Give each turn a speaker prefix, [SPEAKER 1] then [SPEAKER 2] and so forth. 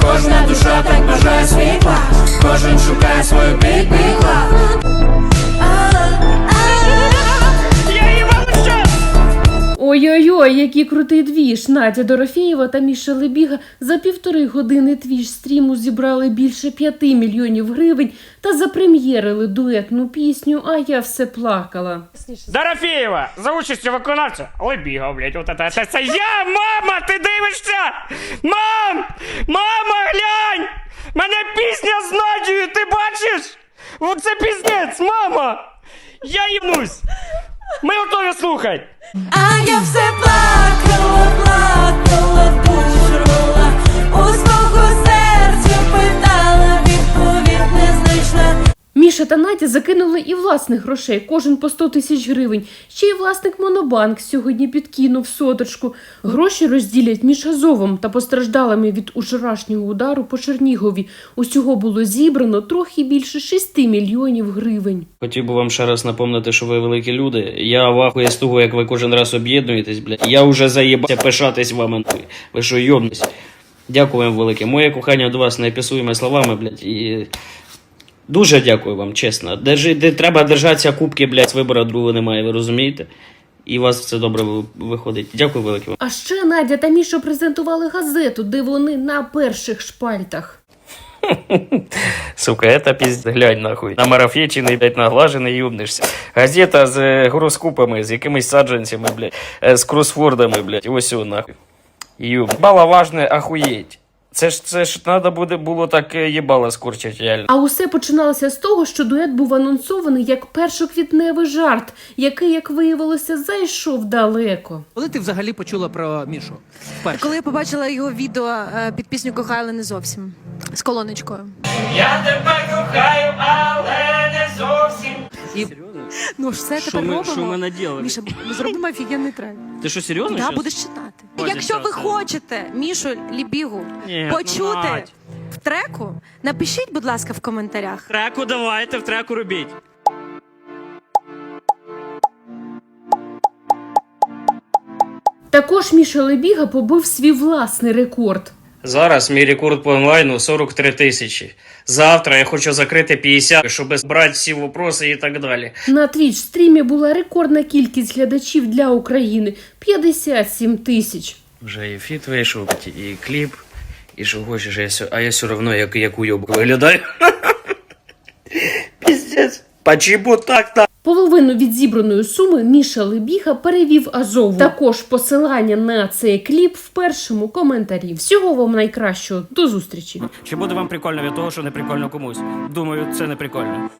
[SPEAKER 1] Кожна душа так бажає світла, кожен шукає свою підпікла.
[SPEAKER 2] Ой-ой-ой, який крутий двіж! Надя Дорофєєва та Міша Лебіга за 1,5 години твіж-стріму зібрали більше 5 мільйонів гривень та запрем'єрили дуетну пісню «А я все плакала».
[SPEAKER 3] Дорофєєва за участю виконавця Лебіга, блядь, от це я, мама, ти дивишся? Мам! Мама, глянь! Мене пісня з Надією, ти бачиш? Оце піздець, мама! Я їбнусь! Ми готові слухати!
[SPEAKER 1] А я все плакала, плакала, бушувала, у свого серця питала, відповідь не знайшла.
[SPEAKER 2] Міша та Надя закинули і власних грошей, кожен по 100 тисяч гривень. Ще й власник Монобанк сьогодні підкинув соточку. Гроші розділять між Азовом та постраждалими від вчорашнього удару по Чернігові. Усього було зібрано трохи більше 6 мільйонів гривень.
[SPEAKER 4] Хотів би вам ще раз напомнити, що ви великі люди. Я в ахуї з того, як ви кожен раз об'єднуєтесь, блядь. Я вже заєбався пишатись вами. Ви що, йобнись? Дякую вам велике. Моє кохання до вас неописуємо словами, блядь, і... Дуже дякую вам, чесно. Треба держатися кубки, блядь, вибору другого немає, ви розумієте? І у вас все добре виходить. Дякую велике вам.
[SPEAKER 2] А ще Надя та Міша презентували газету, де вони на перших шпальтах.
[SPEAKER 4] Сука, это пиздец, глянь нахуй. Намарафетчений, блядь, наглажений, юбнишся. Газета з гороскопами, з якимись саджанцями, блядь, з кросвордами, блядь, ось о, нахуй. Юб. Баловажне ахуєть. Це ж треба було так їбало скорчити, реально.
[SPEAKER 2] А усе починалося з того, що дует був анонсований як першоквітневий жарт, який, як виявилося, зайшов далеко.
[SPEAKER 5] Коли ти взагалі почула про Мішу? Вперше?
[SPEAKER 6] Коли я побачила його відео під пісню «Кохаю, але не зовсім» з колоночкою.
[SPEAKER 3] Я тебе кохаю, але не зовсім.
[SPEAKER 5] І
[SPEAKER 6] Ну ж все
[SPEAKER 4] Що
[SPEAKER 6] тепер робимо.
[SPEAKER 4] що ми наділи?
[SPEAKER 6] Міша, ми зробимо офігенний трек.
[SPEAKER 4] Ти що, серйозно?
[SPEAKER 6] Да,
[SPEAKER 4] щас?
[SPEAKER 6] будеш читати.
[SPEAKER 4] Боже,
[SPEAKER 6] Якщо ви
[SPEAKER 4] щас,
[SPEAKER 6] хочете Мішу Лебігу
[SPEAKER 4] Ні,
[SPEAKER 6] почути
[SPEAKER 4] Надь.
[SPEAKER 6] в треку, напишіть, будь ласка, в коментарях.
[SPEAKER 4] Треку давайте, в треку робіть.
[SPEAKER 2] Також Міша Лебіга побив свій власний рекорд.
[SPEAKER 4] Зараз мій рекорд по онлайну 43 тисячі. Завтра я хочу закрити 50, щоб брати всі вопроси і так далі.
[SPEAKER 2] На твіч-стрімі була рекордна кількість глядачів для України – 57 тисяч.
[SPEAKER 4] Вже і фіт вийшов, і кліп, і що хочеш, а я все одно як уйобок виглядаю. Піздець. Почему так?
[SPEAKER 2] Половину від зібраної суми Міша Лебіга перевів Азову. Також посилання на цей кліп в першому коментарі. Всього вам найкращого. До зустрічі.
[SPEAKER 4] Чи буде вам прикольно від того, що не прикольно комусь? Думаю, це не прикольно.